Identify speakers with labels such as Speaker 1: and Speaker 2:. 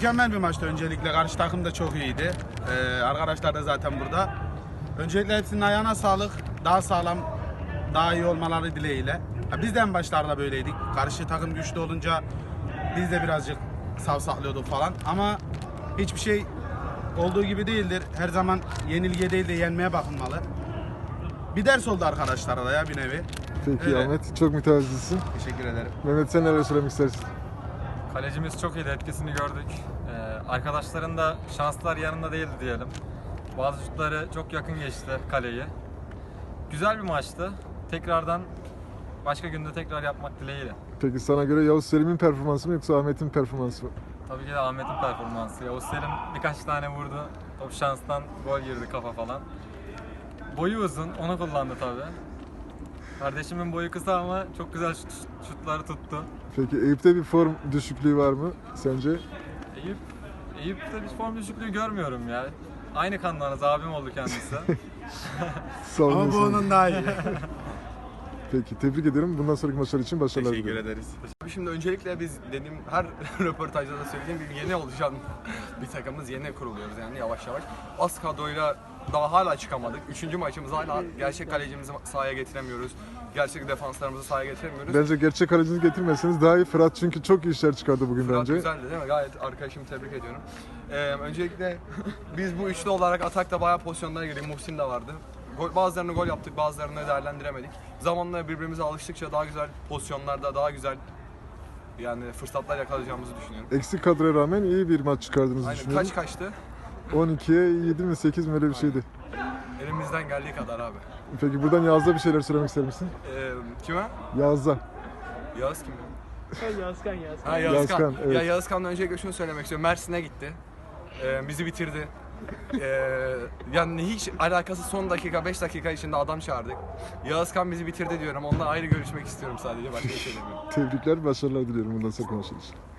Speaker 1: Mükemmel bir maçtı öncelikle. Karşı takım da çok iyiydi. Arkadaşlar da zaten burada. Öncelikle hepsinin ayağına sağlık. Daha sağlam, daha iyi olmaları dileğiyle. Ya biz de en başlarda böyleydik. Karşı takım güçlü olunca biz de birazcık savsaklıyorduk falan. Ama hiçbir şey olduğu gibi değildir. Her zaman yenilgiye değil de yenmeye bakılmalı. Bir ders oldu arkadaşlara da ya bir nevi.
Speaker 2: Peki
Speaker 1: Öyle.
Speaker 2: Ahmet, çok mütevazısın.
Speaker 1: Teşekkür ederim.
Speaker 2: Mehmet, sen neler söylemek istersin?
Speaker 3: Kalecimiz çok iyiydi, etkisini gördük. Arkadaşların da şanslar yanında değildi diyelim. Bazı şutları çok yakın geçti kaleyi. Güzel bir maçtı. Tekrardan başka günde tekrar yapmak dileğiyle.
Speaker 2: Peki sana göre Yavuz Selim'in performansı mı yoksa Ahmet'in performansı mı?
Speaker 3: Tabii ki de Ahmet'in performansı. Yavuz Selim birkaç tane vurdu. Top şanstan gol girdi kafa falan. Boyu uzun, onu kullandı tabii. Kardeşimin boyu kısa ama çok güzel şutları tuttu.
Speaker 2: Peki Eyüp'te bir form düşüklüğü var mı sence?
Speaker 3: Eyüp'te bir form düşüklüğü görmüyorum ya. Aynı kanlarınız, abim oldu kendisi.
Speaker 2: Sağ olun.
Speaker 1: Ama bu onun daha iyi.
Speaker 2: Peki, tebrik ederim. Bundan sonraki maçlar için başarılar
Speaker 1: Teşekkür
Speaker 2: diliyorum.
Speaker 1: ederiz.
Speaker 4: Şimdi öncelikle biz dediğim her röportajda da söylediğim gibi yeni oluşan bir takımız, yeni kuruluyoruz yani yavaş yavaş. Az kadroyla daha hala çıkamadık. Üçüncü maçımız hala gerçek kalecimizi sahaya getiremiyoruz. Gerçek defanslarımızı sahaya getiremiyoruz.
Speaker 2: Bence gerçek kalecinizi getirmezseniz daha iyi. Fırat çünkü çok iyi işler çıkardı bugün
Speaker 4: Fırat
Speaker 2: bence.
Speaker 4: güzeldi değil mi? Gayet arkadaşımı tebrik ediyorum. Öncelikle biz bu üçlü olarak atakta bayağı pozisyonlara girdik. Muhsin de vardı. Bazılarını gol yaptık, bazılarını değerlendiremedik. Zamanla birbirimize alıştıkça daha güzel pozisyonlarda, daha güzel yani fırsatlar yakalayacağımızı düşünüyorum.
Speaker 2: Eksik kadroya rağmen iyi bir maç çıkardığınızı
Speaker 4: Aynen.
Speaker 2: düşünüyorum.
Speaker 4: Kaç kaçtı?
Speaker 2: 12'ye 7 mi 8 mi öyle bir şeydi.
Speaker 4: Elimizden geldiği kadar abi.
Speaker 2: Peki buradan Yağız'a bir şeyler söylemek ister misin?
Speaker 4: Kime?
Speaker 2: Yağız'a.
Speaker 4: Yağız kim ya?
Speaker 5: Yazkan.
Speaker 4: Ha,
Speaker 2: Yağızkan, evet.
Speaker 4: Ya Yağızkan'la öncelikle şunu söylemek istiyorum. Mersin'e gitti. Bizi bitirdi. Yani hiç alakası son dakika 5 dakika içinde adam çağırdık. Yağızkan bizi bitirdi diyorum. Onunla ayrı görüşmek istiyorum sadece. Başka bir şey demiyorum.
Speaker 2: Tebrikler, başarılar diliyorum bundan sonraki maçlar için.